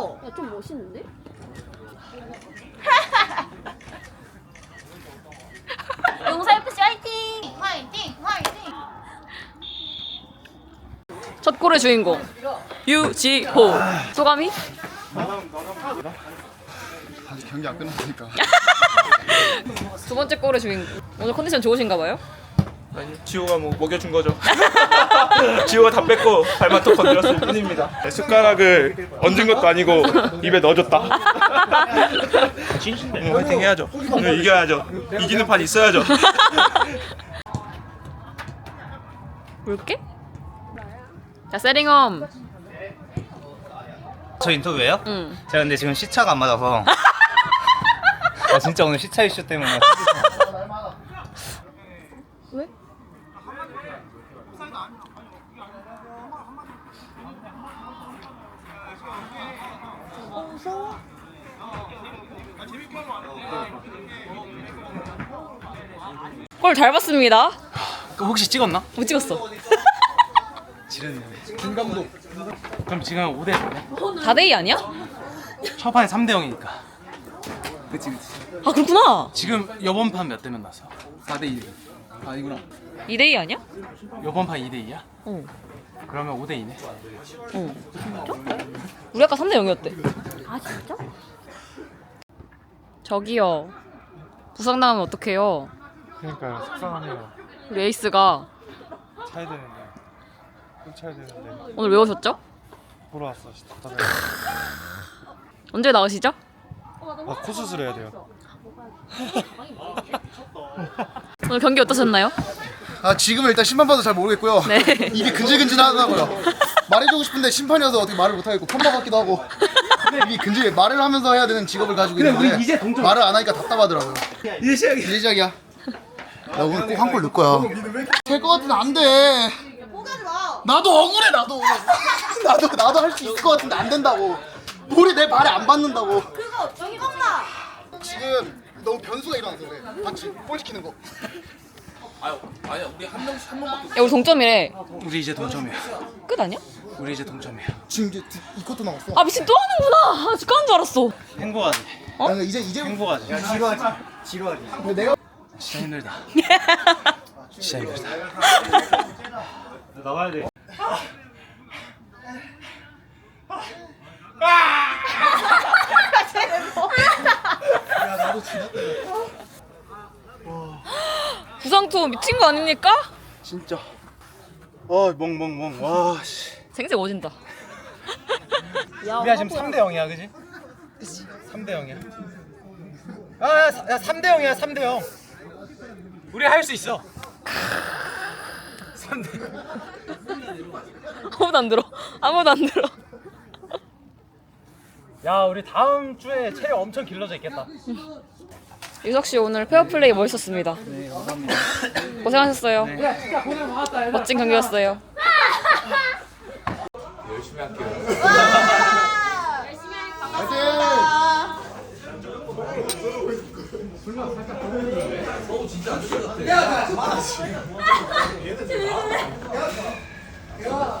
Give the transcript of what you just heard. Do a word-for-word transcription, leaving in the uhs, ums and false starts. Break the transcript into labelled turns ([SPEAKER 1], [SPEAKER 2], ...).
[SPEAKER 1] 야, 좀 멋있는데? 용사에프씨 화이팅! 화이팅! 화이팅! 첫 골의 주인공 유지호. 소감이?
[SPEAKER 2] 아직 경기 안 끝났으니까.
[SPEAKER 1] 두 번째 골의 주인공. 오늘 컨디션 좋으신가 봐요?
[SPEAKER 3] 아니, 지호가 뭐 먹여준 거죠. 지호가 다 뺏고 발만 또 건드렸을 뿐입니다. 숟가락을 얹은 것도 아니고 입에 넣어줬다. 오늘 화이팅 해야죠. 오늘 이겨야죠. 이기는 판 있어야죠.
[SPEAKER 1] 볼게? 자, 세링엄.
[SPEAKER 4] 저 인터뷰예요?
[SPEAKER 1] 응.
[SPEAKER 4] 제가 근데 지금 시차가 안 맞아서 아 진짜 오늘 시차 이슈 때문에
[SPEAKER 1] 왜? 골 잘 봤습니다.
[SPEAKER 5] 혹시 찍었나?
[SPEAKER 1] 못 찍었어.
[SPEAKER 5] 지르네. 김 감독. 그럼 지금 오 대 사네?
[SPEAKER 1] 사 대 이 아니야?
[SPEAKER 5] 첫 판에 삼 대 영이니까. 그치 그치.
[SPEAKER 1] 아, 그렇구나.
[SPEAKER 5] 지금 요번 판 몇 대면 났어? 사 대 일. 아니구나.
[SPEAKER 1] 이 대 이 아니야?
[SPEAKER 5] 요번 판 이 대 이야?
[SPEAKER 1] 응.
[SPEAKER 5] 그러면 오 대 이네.
[SPEAKER 1] 응. 진짜? 우리 아까 삼 대 영이었대. 아, 진짜? 저기요. 부상당하면 어떡해요?
[SPEAKER 6] 그러니까요. 속상하네요.
[SPEAKER 1] 우리 에이스가
[SPEAKER 6] 차야 되는데. 또 차야 되는데.
[SPEAKER 1] 오늘 왜 오셨죠?
[SPEAKER 6] 보러 왔어. 답답해.
[SPEAKER 1] 언제 나가시죠?
[SPEAKER 6] 아, 코 수술해야 돼요.
[SPEAKER 1] 오늘 경기 어떠셨나요?
[SPEAKER 2] 아 지금은 일단 심판 봐도 잘 모르겠고요.
[SPEAKER 1] 네.
[SPEAKER 2] 입이 근질근질하더라고요. 말해주고 싶은데 심판이어서 어떻게 말을 못하겠고 컴바 같기도 하고. 입이 근질 말을 하면서 해야 되는 직업을 가지고 있는데 말을 안 하니까 답답하더라고요. 이제 시작이야. 이제 시작이야. 나 오늘 꼭 한 골 넣을 거야. 될 것 같은데 안 돼. 나도 억울해 나도. 나도 나도 할 수 있을 것 같은데 안 된다고. 볼이 내 발에 안 받는다고.
[SPEAKER 7] 그거 저기 먹나?
[SPEAKER 2] 지금 너무 변수가 일어나서 그래. 맞지? 볼 시키는 거.
[SPEAKER 1] 야, 우리 동점이래.
[SPEAKER 5] 우리 이제 동점이야.
[SPEAKER 1] 끝 아니야?
[SPEAKER 5] 우리 이제 동점이야.
[SPEAKER 2] 지금 이제 두, 이 쿼터 남았어.
[SPEAKER 1] 아, 미친, 또 하는구나. 아, 끝난 줄 알았어.
[SPEAKER 5] 행복하지.
[SPEAKER 2] 어? 아니, 이제 이제
[SPEAKER 5] 행복하지.
[SPEAKER 2] 지루하지. 지루하지. 근데 내가
[SPEAKER 5] 진짜 힘들다. 진짜 힘들다.
[SPEAKER 6] 나가야 돼.
[SPEAKER 1] 부상투 미친 거 아닙니까?
[SPEAKER 6] 진짜. 아, 멍멍멍. 와, 씨.
[SPEAKER 1] 생색 오진다.
[SPEAKER 5] 우리가 지금 삼 대 영이야, 그지? 그치. 삼 대 영이야. 아, 야, 야 삼 대 영이야, 삼 대 영. 우리 할 수 있어. 삼 대 영.
[SPEAKER 1] 아무도 안 들어. 아무도 안 들어.
[SPEAKER 5] 야, 우리 다음 주에 체력 엄청 길러져 있겠다.
[SPEAKER 1] 유석 씨 오늘 페어플레이 멋있었습니다. 네, 감사합니다. 고생하셨어요. 네. 멋진 경기였어요.
[SPEAKER 7] 열심히 할게요. 열심히 할게요. 진짜 안